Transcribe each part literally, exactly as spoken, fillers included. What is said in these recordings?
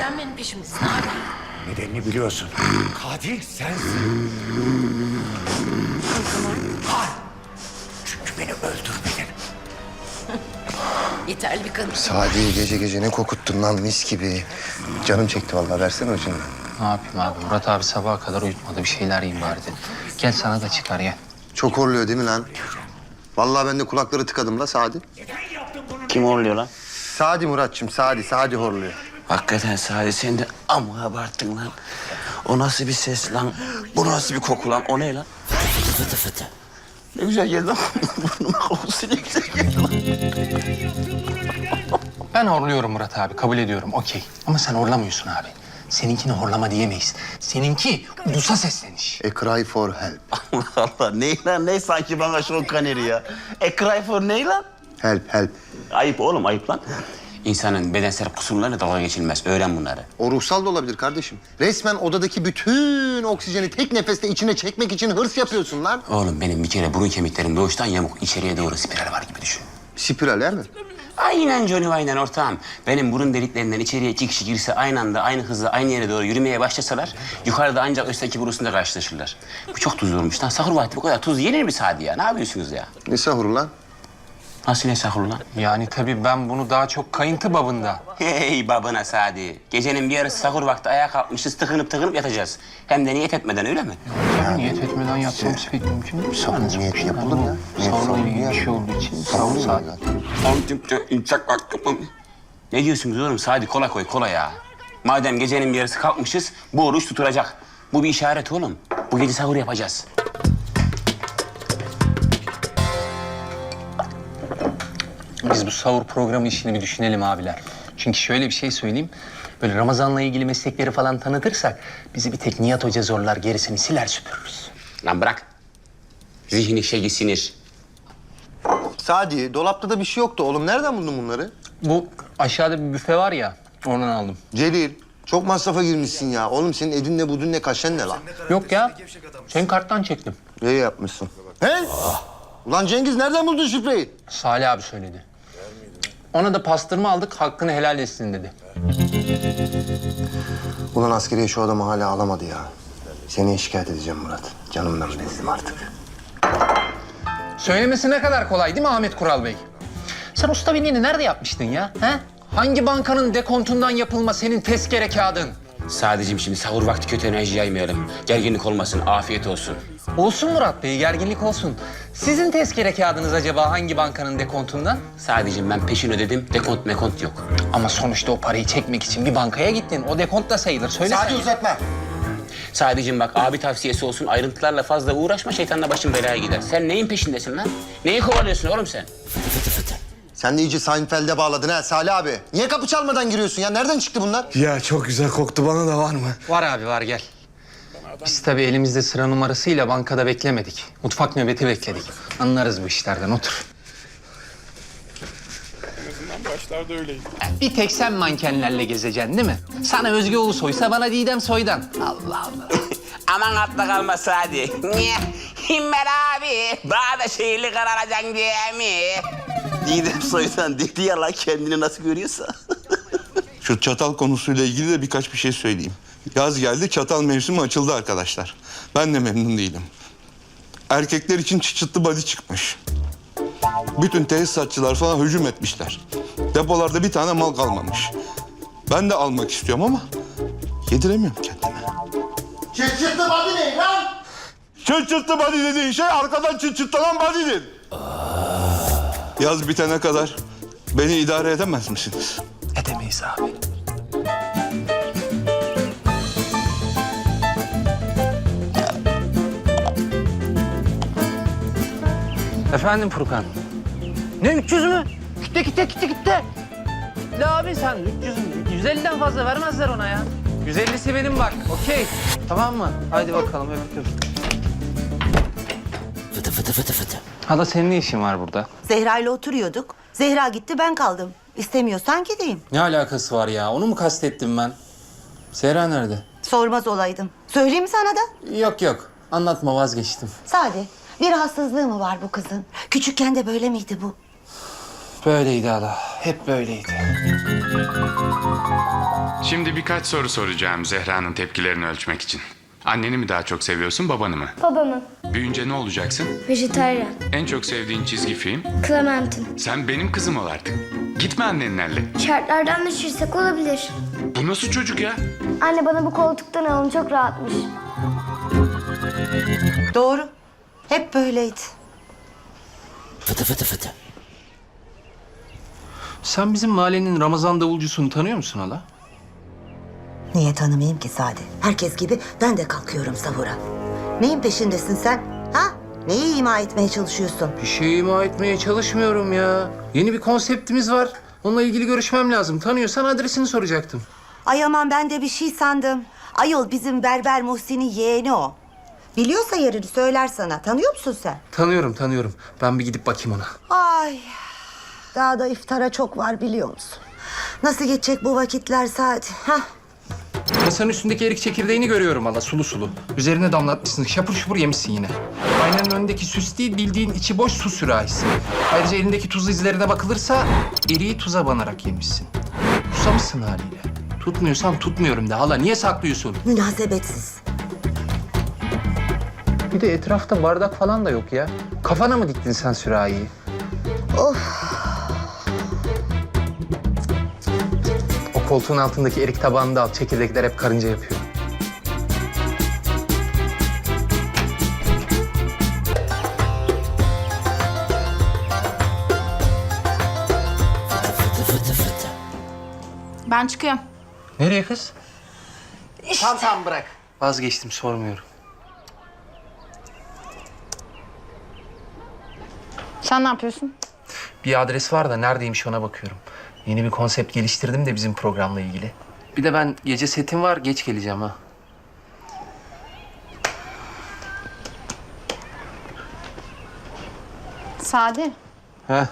Neden benim peşimdesin abi? Nedenini biliyorsun. Katil sensin. O zaman Hayır. Çünkü beni öldürmedin. yeterli bir kanıt. Sadi gece gece ne kokuttun lan mis gibi. Canım çekti vallahi, versene ucundan. Ne yapayım abi? Murat abi sabaha kadar uyutmadı. Bir şeyler yiyeyim bari dedim. Gel sana da çıkar gel. Çok horluyor değil mi lan? Vallahi ben de kulakları tıkadım la Sadi. Kim horluyor lan? Sadi Muratçım, Sadi, Sadi horluyor. Hakikaten Sadi sen de amma abarttın lan. O nasıl bir ses lan? Bu nasıl bir koku lan? O ne lan? Fıtı fıtı fıtı. Ne güzel geldi lan. Burnuma kokusu ne güzel geldi lan. Ben horluyorum Murat abi. Kabul ediyorum. Okey. Ama sen horlamıyorsun abi. Seninkini horlama diyemeyiz. Seninki ulusa sesleniş. A cry for help. Allah Allah. Ne lan? Ne sanki bana Sean Connery ya? A cry for ne lan? Help, help. Ayıp oğlum, ayıp lan. İnsanın bedensel kusurlarıyla dalga geçilmez. Öğren bunları. O ruhsal da olabilir kardeşim. Resmen odadaki bütün oksijeni tek nefeste içine çekmek için hırs yapıyorsun lan. Oğlum benim bir kere burun kemiklerim doğuştan yamuk. İçeriye doğru spiral var gibi düşün. Spiral he mi? Aynen Johnny aynen ortağım. Benim burun deliklerinden içeriye iki kişi girse aynı anda aynı hızla aynı yere doğru yürümeye başlasalar yukarıda ancak üstteki burusunda karşılaşırlar. Bu çok tuzlu olmuş lan. Sahur vakti bu kadar tuz yenir mi Sadi ya? Ne yapıyorsunuz ya? Ne sahuru lan? Nasıl ne sahur lan? Yani tabii ben bunu daha çok kayıntı babında. Hey babana Sadi. Gecenin bir yarısı sahur vakti ayağa kalkmışız tıkınıp tıkınıp yatacağız. Hem de niyet etmeden öyle mi? Yani niyet etmeden yapmamız pek mümkün değil. Sahur niyeti yapılır ya. Niyet Sahurla sahuru ilgili ya. bir şey olduğu için Sahur sahur mu saat. zaten? Ne diyorsunuz oğlum? Sadi kola koy kola ya. Madem gecenin bir yarısı kalkmışız bu oruç tutulacak. Bu bir işaret oğlum. Bu gece sahur yapacağız. Biz bu sahur programı işini bir düşünelim abiler. Çünkü şöyle bir şey söyleyeyim. Böyle Ramazan'la ilgili meslekleri falan tanıtırsak bizi bir tek Nihat Hoca zorlar, gerisini siler süpürürüz. Lan bırak. Zihni şeyi sinir. Sadi, dolapta da bir şey yoktu oğlum. Nereden buldun bunları? Bu aşağıda bir büfe var ya, oradan aldım. Celil, çok masrafa girmişsin ya. Oğlum senin edinle budunle kaşen ne lan? Yok ya, senin karttan çektim. İyi yapmışsın. He? Ulan Cengiz nereden buldun şifreyi? Salih abi söyledi. Ona da pastırma aldık, hakkını helal etsin dedi. Ulan askeriye şu adamı hala alamadı ya. Seni şikayet edeceğim Murat. Canımdan bezdim artık. Söylemesi ne kadar kolay değil mi Ahmet Kural Bey? Sen usta binliğini nerede yapmıştın ya? He? Hangi bankanın dekontundan yapılma senin tezkere kağıdın? Sadece şimdi sahur vakti kötü enerji yaymayalım. Gerginlik olmasın, afiyet olsun. Olsun Murat Bey, gerginlik olsun. Sizin tezkere kağıdınız acaba hangi bankanın dekontundan? Sadece ben peşin ödedim, dekont mekont yok. Ama sonuçta o parayı çekmek için bir bankaya gittin. O dekont da sayılır. Söyle Sadi sen. uzatma. Sadece bak abi tavsiyesi olsun, ayrıntılarla fazla uğraşma, şeytanla başın belaya gider. Sen neyin peşindesin lan? Neyi kovalıyorsun oğlum sen? Fıtı fıtı fıtı. Sen de iyice Seinfeld'e bağladın ha Salih abi. Niye kapı çalmadan giriyorsun ya? Nereden çıktı bunlar? Ya çok güzel koktu, bana da var mı? Var abi var gel. Biz tabii elimizde sıra numarasıyla bankada beklemedik. Mutfak nöbeti bekledik. Anlarız bu işlerden, otur. Başlarda öyleydi. Bir tek sen mankenlerle gezeceksin değil mi? Sana Özge Ulusoy'sa bana Didem Soy'dan. Allah Allah. Aman atla kalma Sadi. Niye? Himmet abi, daha da şehirli kararacaksın diye mi? Didem Soy'dan dedi ya lan kendini nasıl görüyorsa. Şu çatal konusuyla ilgili de birkaç bir şey söyleyeyim. Yaz geldi, çatal mevsimi açıldı arkadaşlar. Ben de memnun değilim. Erkekler için çıçıtlı body çıkmış. Bütün tesisatçılar falan hücum etmişler. Depolarda bir tane mal kalmamış. Ben de almak istiyorum ama yediremiyorum kendime. Çıt body ne lan? Çıçıtlı body dediğin şey arkadan çıçıtlanan body'dir. Yaz bitene kadar beni idare edemez misiniz? Edemeyiz abi. Efendim Furkan? Ne üç yüz mü? Gitti gitti gitti gitti. La abi sen üç yüz, yüz elliden fazla vermezler ona ya. yüz ellisi benim bak, okey. Tamam mı? Haydi bakalım öptüm. Fıtı fıtı fıtı fıtı. Hala senin ne işin var burada? Zehra ile oturuyorduk. Zehra gitti, ben kaldım. İstemiyorsan gideyim. Ne alakası var ya? Onu mu kastettim ben? Zehra nerede? Sormaz olaydım. Söyleyeyim mi sana da? Yok yok. Anlatma, vazgeçtim. Sade, bir rahatsızlığı mı var bu kızın? Küçükken de böyle miydi bu? Böyleydi hala. hep böyleydi. Şimdi birkaç soru soracağım Zehra'nın tepkilerini ölçmek için. Anneni mi daha çok seviyorsun, babanı mı? Babamın. Büyüyünce ne olacaksın? Vejetaryen. En çok sevdiğin çizgi film? Clementine. Sen benim kızım ol artık. Gitme annenlerle. Şartlardan düşürsek olabilir. Bu nasıl çocuk ya? Anne bana bu koltuktan alın, çok rahatmış. Doğru. Hep böyleydi. Sen bizim mahallenin Ramazan davulcusunu tanıyor musun hala? Niye tanımayayım ki Sade? Herkes gibi ben de kalkıyorum sahura. Neyin peşindesin sen? Ha? Neyi ima etmeye çalışıyorsun? Bir şey ima etmeye çalışmıyorum ya. Yeni bir konseptimiz var. Onunla ilgili görüşmem lazım. Tanıyorsan adresini soracaktım. Ay aman ben de bir şey sandım. Ayol bizim Berber Muhsin'in yeğeni o. Biliyorsa yerini söyler sana. Tanıyor musun sen? Tanıyorum, tanıyorum. Ben bir gidip bakayım ona. Ay. Daha da iftara çok var biliyor musun? Nasıl geçecek bu vakitler Sade? Hah. Masanın üstündeki erik çekirdeğini görüyorum hala, sulu sulu. Üzerine damlatmışsın, şapur şupur yemişsin yine. Aynanın önündeki süs değil, bildiğin içi boş su sürahisi. Ayrıca elindeki tuz izlerine bakılırsa eriği tuza banarak yemişsin. Susamışsın haliyle. Tutmuyorsan tutmuyorum de hala, niye saklıyorsun? Münasebetsiz. Bir de etrafta bardak falan da yok ya. Kafana mı diktin sen sürahiyi? O koltuğun altındaki erik tabağını da al. Çekirdekler hep karınca yapıyor. Ben çıkıyorum. Nereye kız? Tamam tamam bırak. Vazgeçtim, sormuyorum. Sen ne yapıyorsun? Bir adres var da neredeymiş ona bakıyorum. Yeni bir konsept geliştirdim de bizim programla ilgili. Bir de ben gece setim var, geç geleceğim ha. Sade. He.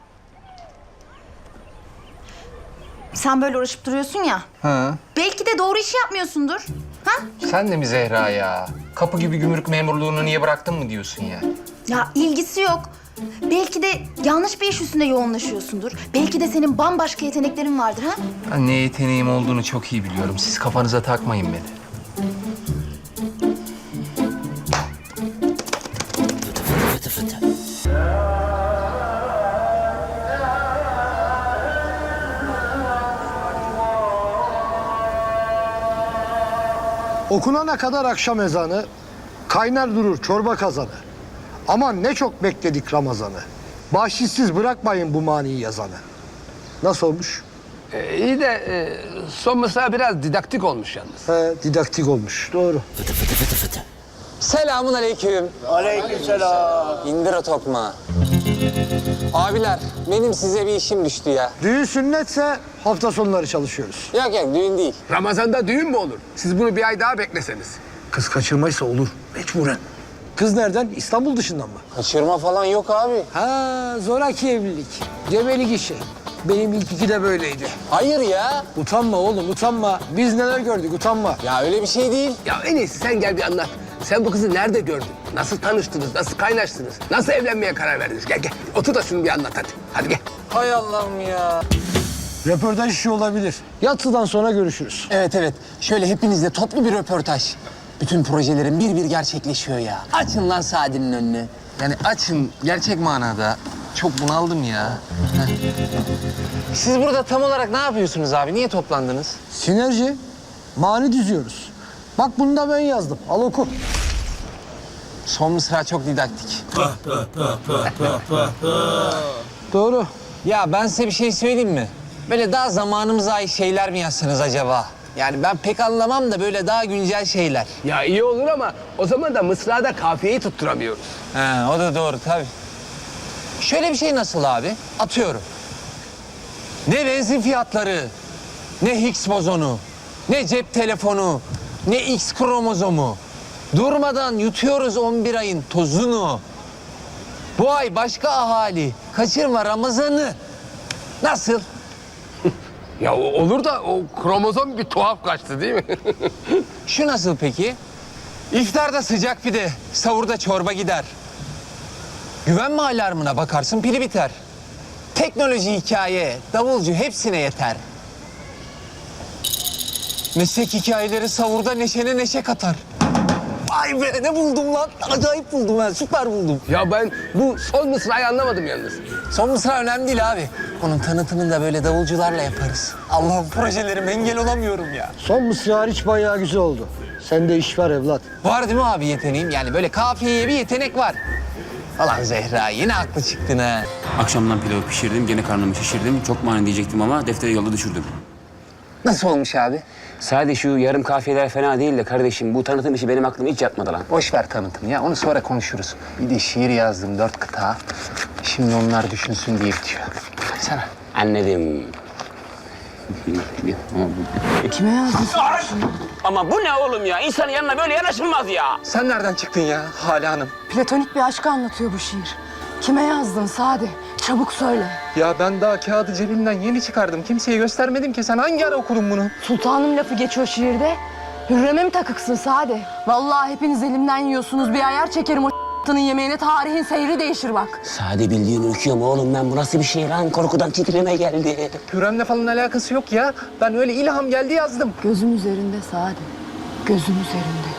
Sen böyle uğraşıp duruyorsun ya. Ha. Belki de doğru işi yapmıyorsundur. Ha? Sen de mi Zehra ya? Kapı gibi gümrük memurluğunu niye bıraktın mı diyorsun ya? Ya ilgisi yok. Belki de yanlış bir iş üstünde yoğunlaşıyorsundur. Belki de senin bambaşka yeteneklerin vardır ha? Ben ne yeteneğim olduğunu çok iyi biliyorum. Siz kafanıza takmayın beni. Okunana kadar akşam ezanı, kaynar durur çorba kazanı. Aman ne çok bekledik Ramazan'ı. Bahşişsiz bırakmayın bu maniyi yazanı. Nasıl olmuş? Ee, iyi de e, son mısra biraz didaktik olmuş yalnız. He, didaktik olmuş. Doğru. Selamun aleyküm. Aleykümselam. İndir o tokmağı. Abiler, benim size bir işim düştü ya. Düğün sünnetse hafta sonları çalışıyoruz. Yok yok, düğün değil. Ramazan'da düğün mü olur? Siz bunu bir ay daha bekleseniz. Kız kaçırmaysa olur. Mecburen. Kız nereden? İstanbul dışından mı? Kaçırma falan yok abi. Ha, zoraki evlilik. Gebelik işi. Benim ilk iki de böyleydi. Hayır ya. Utanma oğlum, utanma. Biz neler gördük, utanma. Ya öyle bir şey değil. Ya en iyisi sen gel bir anlat. Sen bu kızı nerede gördün? Nasıl tanıştınız? Nasıl kaynaştınız? Nasıl evlenmeye karar verdiniz? Gel gel. Otur da şunu bir anlat hadi. Hadi gel. Hay Allah'ım ya. Röportaj işi olabilir. Yatsıdan sonra görüşürüz. Evet evet. Şöyle hepinizle toplu bir röportaj. Bütün projelerin bir bir gerçekleşiyor ya. Açın lan Sadi'nin önünü. Yani açın, gerçek manada. Çok bunaldım ya. Siz burada tam olarak ne yapıyorsunuz abi? Niye toplandınız? Sinerji, mani düzüyoruz. Bak bunu da ben yazdım. Al oku. Son mısra çok didaktik. Doğru. Ya ben size bir şey söyleyeyim mi? Böyle daha zamanımıza ait şeyler mi yazsanız acaba? Yani ben pek anlamam da böyle daha güncel şeyler. Ya iyi olur ama o zaman da mısrada kafiyeyi tutturamıyoruz. He, o da doğru tabii. Şöyle bir şey nasıl abi? Atıyorum. Ne benzin fiyatları, ne Higgs bozonu, ne cep telefonu, ne X kromozomu. Durmadan yutuyoruz on bir ayın tozunu. Bu ay başka ahali. Kaçırma Ramazan'ı. Nasıl? Ya o- olur da o kromozom bir tuhaf kaçtı değil mi? Şu nasıl peki? İftarda sıcak pide, sahurda çorba gider. Güvenme alarmına bakarsın pili biter. Teknoloji, hikaye, davulcu hepsine yeter. Meslek hikayeleri savurda neşene neşe katar. Vay be ne buldum lan. Acayip buldum ben, süper buldum. Ya ben bu son mısrayı anlamadım yalnız. Son mısra önemli değil abi. Onun tanıtımını da böyle davulcularla yaparız. Allah'ım projelerime engel olamıyorum ya. Son mısra hariç bayağı güzel oldu. Sende iş var evlat. Var değil mi abi yeteneğim? Yani böyle kafiyeye bir yetenek var. Falan Zehra yine haklı çıktın ha. Akşamdan pilavı pişirdim, gene karnımı şişirdim. Çok mani diyecektim ama defteri yolda düşürdüm. Nasıl olmuş abi? Sadece şu yarım kafiyeler fena değil de kardeşim bu tanıtım işi benim aklıma hiç yatmadı lan. Boş ver tanıtım ya, onu sonra konuşuruz. Bir de şiir yazdım dört kıta. Şimdi onlar düşünsün diye bitiyor. Sana. Anladım. Kime yazdın? Ama bu ne oğlum ya? İnsanın yanına böyle yanaşılmaz ya. Sen nereden çıktın ya Hale Hanım? Platonik bir aşkı anlatıyor bu şiir. Kime yazdın Sade? Çabuk söyle. Ya ben daha kağıdı cebimden yeni çıkardım. Kimseye göstermedim ki. Sen hangi ara okudun bunu? Sultanım lafı geçiyor şiirde. Hürrem'e mi takıksın Sade? Vallahi hepiniz elimden yiyorsunuz. Bir ayar çekerim o ***'nın yemeğine. Tarihin seyri değişir bak. Sade bildiğin ürküyor mu oğlum ben? Bu nasıl bir şey lan? Korkudan titreme geldi. Hürrem'le falan alakası yok ya. Ben öyle ilham geldi yazdım. Gözüm üzerinde Sade. Gözüm üzerinde.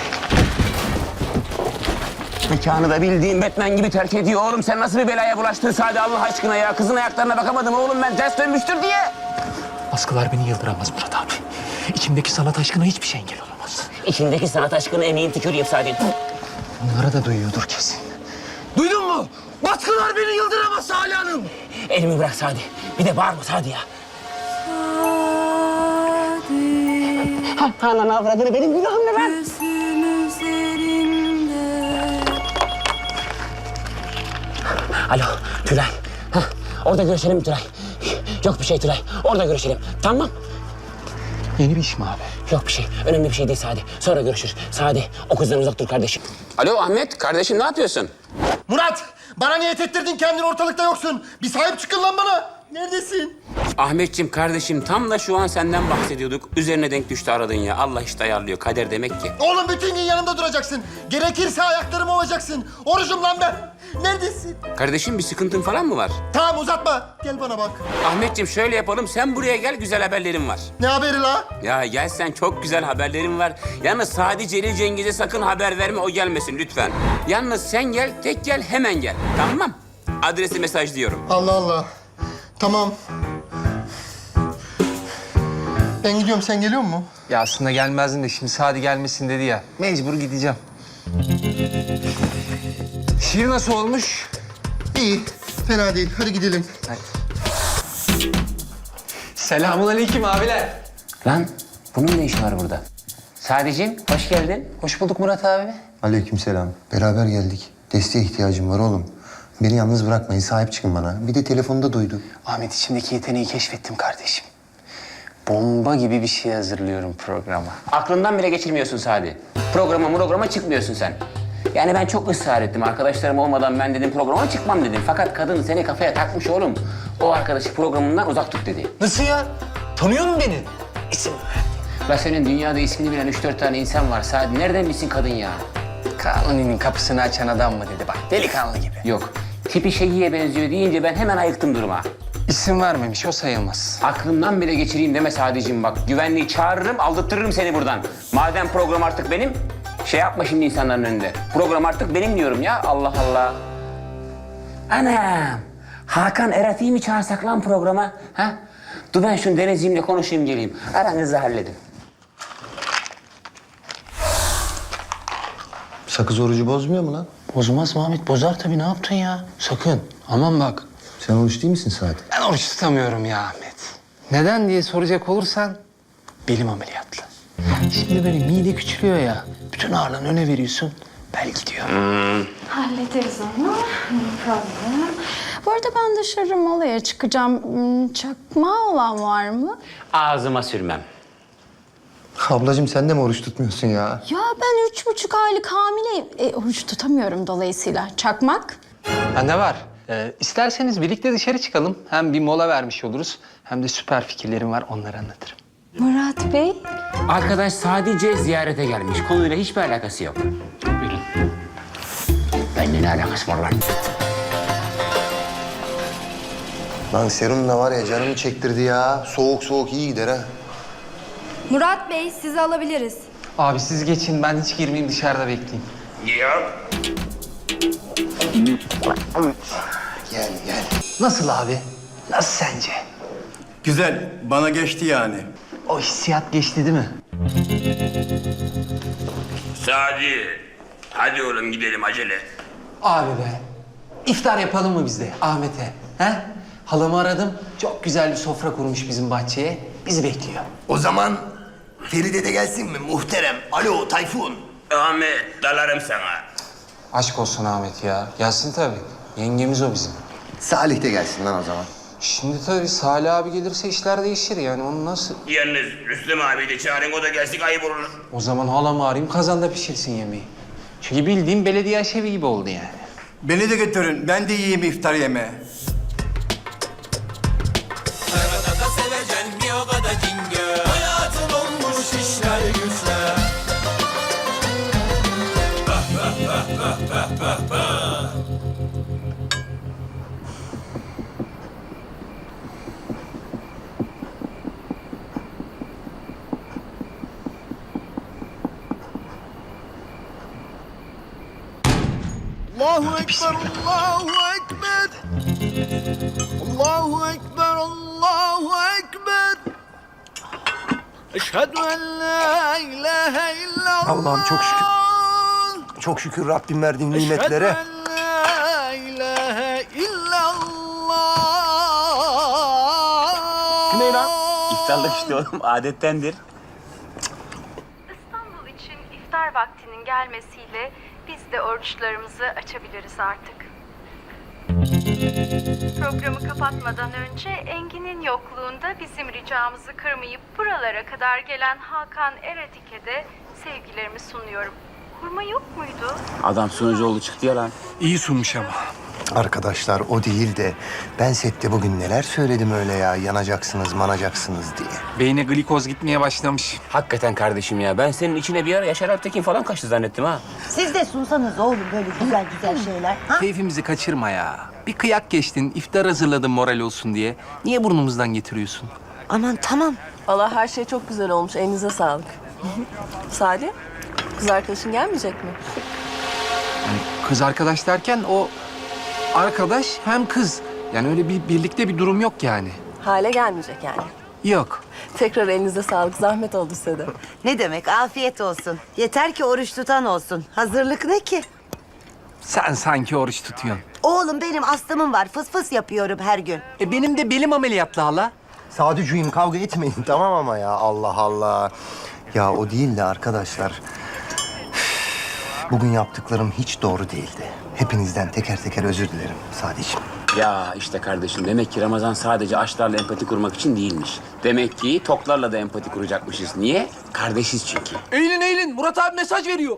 Mekanı da bildiğin Batman gibi terk ediyor oğlum. Sen nasıl bir belaya bulaştın Sade Allah aşkına ya? Kızın ayaklarına bakamadım oğlum ben. Ters dönmüştür diye. Baskılar beni yıldıramaz Murat abi. İçimdeki sanat aşkına hiçbir şey engel olamaz. İçindeki sanat aşkını emeğin tüküreyim Sade. Onlara da duyuyordur kesin. Duydun mu? Baskılar beni yıldıramaz Hale Hanım. Elimi bırak Sade. Bir de bağırma Sade ya. Ha, ananı avradını benim günahım ne lan? Alo Tülay. Hah, orada görüşelim Tülay. Yok bir şey Tülay. Orada görüşelim. Tamam. Yeni bir iş mi abi? Yok bir şey. Önemli bir şey değil Sade. Sonra görüşürüz. Sade o kızdan uzak dur kardeşim. Alo Ahmet kardeşim ne yapıyorsun? Murat! Bana niyet ettirdin kendin ortalıkta yoksun. Bir sahip çıkın lan bana. Neredesin? Ahmetciğim kardeşim tam da şu an senden bahsediyorduk. Üzerine denk düştü aradın ya. Allah işte ayarlıyor. Kader demek ki. Oğlum bütün gün yanımda duracaksın. Gerekirse ayaklarımı ovacaksın. Orucum lan ben. Neredesin? Kardeşim bir sıkıntın falan mı var? Tamam uzatma. Gel bana bak. Ahmetciğim şöyle yapalım. Sen buraya gel güzel haberlerim var. Ne haberi la? Ya gel sen çok güzel haberlerim var. Yalnız Sadi Celil Cengiz'e sakın haber verme o gelmesin lütfen. Yalnız sen gel tek gel hemen gel. Tamam. Adresi mesajlıyorum. Allah Allah. Tamam. Ben gidiyorum. Sen geliyor musun? Ya aslında gelmezdin de şimdi Sadi gelmesin dedi ya. Mecbur gideceğim. Şiir nasıl olmuş? İyi. Fena değil. Hadi gidelim. Selamünaleyküm abiler. Lan bunun ne işi var burada? Sadiciğim hoş geldin. Hoş bulduk Murat abi. Aleykümselam. Beraber geldik. Desteğe ihtiyacım var oğlum. Beni yalnız bırakmayın. Sahip çıkın bana. Bir de telefonda duydu. Ahmet içimdeki yeteneği keşfettim kardeşim. Bomba gibi bir şey hazırlıyorum programa. Aklından bile geçirmiyorsun Sadi. Programa programa çıkmıyorsun sen. Yani ben çok ısrar ettim. Arkadaşlarım olmadan ben dedim programa çıkmam dedim. Fakat kadın seni kafaya takmış oğlum. O arkadaşı programından uzak tut dedi. Nasıl ya? Tanıyor musun beni? İsim ver. La senin dünyada ismini bilen üç dört tane insan var Sadi. Nereden bilsin kadın ya? Kanuni'nin kapısını açan adam mı dedi bak. Delikanlı gibi. Yok. Tipi Şegi'ye benziyor deyince ben hemen ayıktım duruma. İsim vermemiş, o sayılmaz. Aklımdan bile geçireyim deme Sadiciğim bak. Güvenliği çağırırım, aldırtırırım seni buradan. Madem program artık benim, şey yapma şimdi insanların önünde. Program artık benim diyorum ya. Allah Allah. Anam. Hakan Erat'ı mı çağırsak lan programa? Ha? Dur ben şunu Denizciğimle konuşayım geleyim. Aranızı halledin. Sakız orucu bozmuyor mu lan? Bozmaz mı Ahmet? Bozar tabii. Ne yaptın ya? Sakın. Aman bak. Sen oruç değil misin Sadi? Ben oruç tutamıyorum ya Ahmet. Neden diye soracak olursan belim ameliyatlı. Şimdi böyle mide küçülüyor ya. Bütün ağırlığını öne veriyorsun. Bel gidiyor. Hallederiz onu. No problem. Bu arada ben dışarı molaya çıkacağım. Hmm, Çakma olan var mı? Ağzıma sürmem. Ablacığım sen de mi oruç tutmuyorsun ya? Ya ben üç buçuk aylık hamileyim. E, oruç tutamıyorum dolayısıyla. Çakmak? Bende var. Ee, isterseniz birlikte dışarı çıkalım. Hem bir mola vermiş oluruz. Hem de süper fikirlerim var. Onları anlatırım. Murat Bey. Arkadaş sadece ziyarete gelmiş. Konuyla hiçbir alakası yok. Buyurun. Benimle ne alakası var lan? Lan serum da var ya canımı çektirdi ya. Soğuk soğuk iyi gider ha. Murat Bey, sizi alabiliriz. Abi siz geçin, ben hiç girmeyeyim, dışarıda bekleyeyim. Gel gel. Nasıl abi? Nasıl sence? Güzel, bana geçti yani. O hissiyat geçti değil mi? Sadi, hadi oğlum gidelim acele. Abi be, iftar yapalım mı biz de Ahmet'e? He? Halamı aradım, çok güzel bir sofra kurmuş bizim bahçeye. Bizi bekliyor. O zaman Feride de gelsin mi muhterem? Alo Tayfun. Ahmet, dalarım sana. Aşk olsun Ahmet ya. Gelsin tabii. Yengemiz o bizim. Salih de gelsin lan o zaman. Şimdi tabii Salih abi gelirse işler değişir yani. Onu nasıl... Yalnız Rüstem abi de çağırın, o da gelsin, ayıp olur. O zaman halamı arayayım, kazanda pişirsin yemeği. Çünkü bildiğim belediye aşevi gibi oldu yani. Beni de götürün, ben de yiyeyim iftar yemeği. Allahu Ekber, Allahu Ekber. Allahu Ekber, Allahu Ekber. Eşhedü en la ilahe illallah. Allah'ım çok şükür. Çok şükür Rabbim verdiğin nimetlere. Eşhedü en la ilahe illallah. Ne lan? İftarlık işte oğlum, adettendir. İstanbul için iftar vaktinin gelmesiyle biz de oruçlarımızı açabiliriz artık. Programı kapatmadan önce Engin'in yokluğunda bizim ricamızı kırmayıp buralara kadar gelen Hakan Eretik'e de sevgilerimi sunuyorum. Hurma yok muydu? Adam sunucu oldu çıktı ya lan. İyi sunmuş ama. Arkadaşlar o değil de ben sette bugün neler söyledim öyle ya. Yanacaksınız, manacaksınız diye. Beyne glikoz gitmeye başlamış. Hakikaten kardeşim ya, ben senin içine bir ara Yaşar Alptekin falan kaçtı zannettim ha. Siz de sunsanız oğlum böyle güzel güzel şeyler. Ha? Keyfimizi kaçırma ya. Bir kıyak geçtin, iftar hazırladım moral olsun diye. Niye burnumuzdan getiriyorsun? Aman tamam. Vallahi her şey çok güzel olmuş. Elinize sağlık. Salih, kız arkadaşın gelmeyecek mi? Kız arkadaş derken o arkadaş hem kız. Yani öyle bir birlikte bir durum yok yani. Hale gelmeyecek yani. Yok. Tekrar elinize sağlık. Zahmet oldu size de. Ne demek afiyet olsun. Yeter ki oruç tutan olsun. Hazırlık ne ki? Sen sanki oruç tutuyorsun. Oğlum benim astımım var. Fıs fıs yapıyorum her gün. E benim de belim ameliyatlı hala. Sadücüğüm kavga etmeyin tamam ama ya Allah Allah. Ya o değil de arkadaşlar. Bugün yaptıklarım hiç doğru değildi. Hepinizden teker teker özür dilerim Sadeciğim. Ya işte kardeşim, demek ki Ramazan sadece açlarla empati kurmak için değilmiş. Demek ki toklarla da empati kuracakmışız. Niye? Kardeşiz çünkü. Eğilin eğilin. Murat abi mesaj veriyor.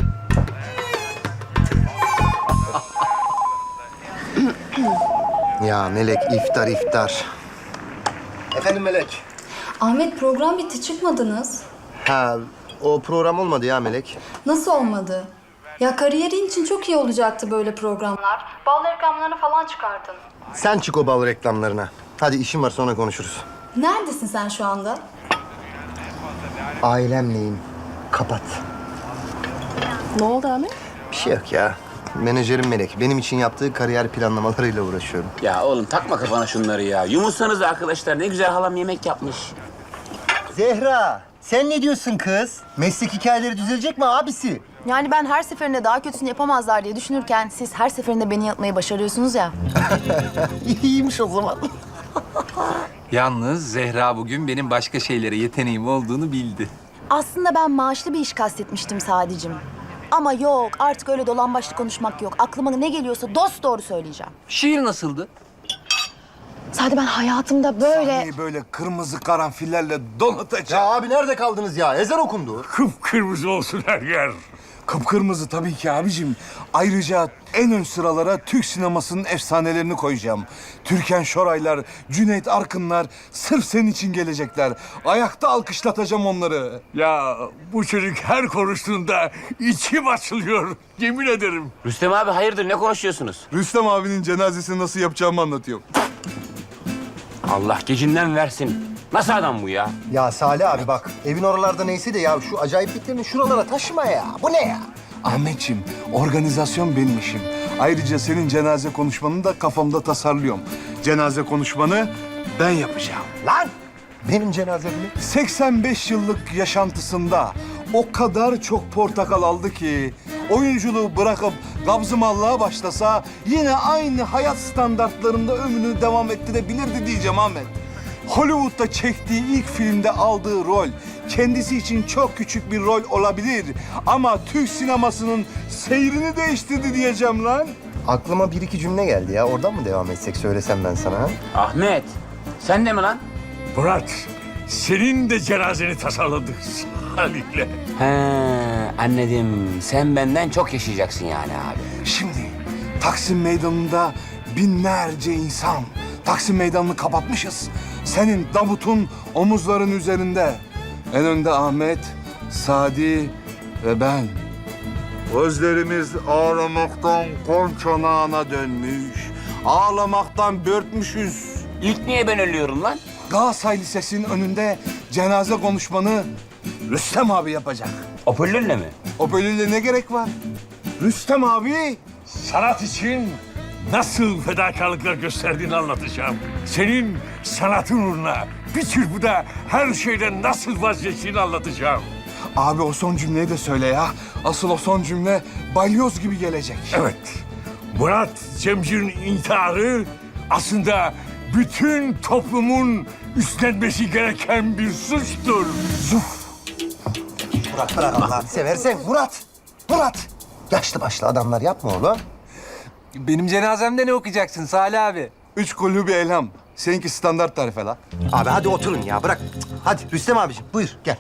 Ya Melek iftar iftar. Efendim Melek. Ahmet, program bitti, çıkmadınız. Ha o program olmadı ya Melek. Nasıl olmadı? Ya kariyerin için çok iyi olacaktı böyle programlar. Bal reklamlarını falan çıkardın. Sen çık o bal reklamlarına. Hadi işim var sonra konuşuruz. Neredesin sen şu anda? Ailemleyim. Kapat. Ne oldu Ahmet? Bir şey yok ya. Menajerim Melek. Benim için yaptığı kariyer planlamalarıyla uğraşıyorum. Ya oğlum takma kafana şunları ya. Yumursanız arkadaşlar, ne güzel halam yemek yapmış. Zehra, sen ne diyorsun kız? Meslek hikayeleri düzelecek mi abisi? Yani ben her seferinde daha kötüsünü yapamazlar diye düşünürken siz her seferinde beni yapmayı başarıyorsunuz ya. İyiymiş o zaman. Yalnız Zehra bugün benim başka şeylere yeteneğim olduğunu bildi. Aslında ben maaşlı bir iş kastetmiştim Sadicim. Ama yok, artık öyle dolan başlı konuşmak yok. Aklıma ne geliyorsa dosdoğru söyleyeceğim. Şiir nasıldı? Sadi, ben hayatımda böyle... Böyle kırmızı karanfillerle donatacağım. Ya abi nerede kaldınız ya? Ezan okundu. Kıpkırmızı olsun her yer. Kıpkırmızı tabii ki abicim. Ayrıca en ön sıralara Türk sinemasının efsanelerini koyacağım. Türkan Şoraylar, Cüneyt Arkınlar sırf senin için gelecekler. Ayakta alkışlatacağım onları. Ya bu çocuk her konuştuğunda içim açılıyor. Yemin ederim. Rüstem abi hayırdır, ne konuşuyorsunuz? Rüstem abinin cenazesini nasıl yapacağımı anlatıyorum. Allah gecinden versin. Nasıl adam bu ya? Ya Salih abi bak, evin oralarda neyse de ya şu acayipliklerini şuralara taşıma ya. Bu ne ya? Ahmetciğim, organizasyon benim işim. Ayrıca senin cenaze konuşmanı da kafamda tasarlıyorum. Cenaze konuşmanı ben yapacağım. Lan! Benim cenazemi. seksen beş yıllık yaşantısında o kadar çok portakal aldı ki oyunculuğu bırakıp gabzımallığa başlasa yine aynı hayat standartlarında ömrünü devam ettirebilirdi diyeceğim Ahmet. Hollywood'da çektiği ilk filmde aldığı rol kendisi için çok küçük bir rol olabilir ama Türk sinemasının seyrini değiştirdi diyeceğim lan. Aklıma bir iki cümle geldi ya. Oradan mı devam etsek söylesem ben sana ha? Ahmet, sen de mi lan? Murat, senin de cenazeni tasarladık Salih'le. He, anladım. Sen benden çok yaşayacaksın yani abi. Şimdi Taksim Meydanı'nda binlerce insan. Taksim Meydanı'nı kapatmışız. Senin Davut'un omuzların üzerinde. En önde Ahmet, Sadi ve ben. Gözlerimiz ağlamaktan kol çanağına dönmüş. Ağlamaktan börtmüşüz. İlk niye ben ölüyorum lan? Galatasaray Lisesi'nin önünde cenaze konuşmanı Rüstem abi yapacak. Hoparlörle mi? Hoparlörle ne gerek var? Rüstem abi sanat için nasıl fedakarlıklar gösterdiğini anlatacağım. Senin sanatın uğruna bir çırpıda her şeyden nasıl vazgeçtiğini anlatacağım. Abi o son cümleyi de söyle ya. Asıl o son cümle balyoz gibi gelecek. Evet. Murat Cemcir'in intiharı aslında bütün toplumun üstlenmesi gereken bir suçtur. Zuf. Murat bırak Allah'ını seversen. Murat! Murat! Yaşlı başlı adamlar yapma oğlum. Benim cenazemde ne okuyacaksın Salih abi? Üç kulü bir elham. Seninki standart tarife la. Abi hadi oturun ya bırak. Hadi Rüstem abiciğim buyur gel.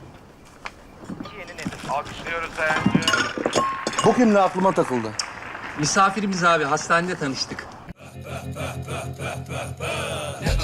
Bugün ne aklıma takıldı? Misafirimiz abi, hastanede tanıştık.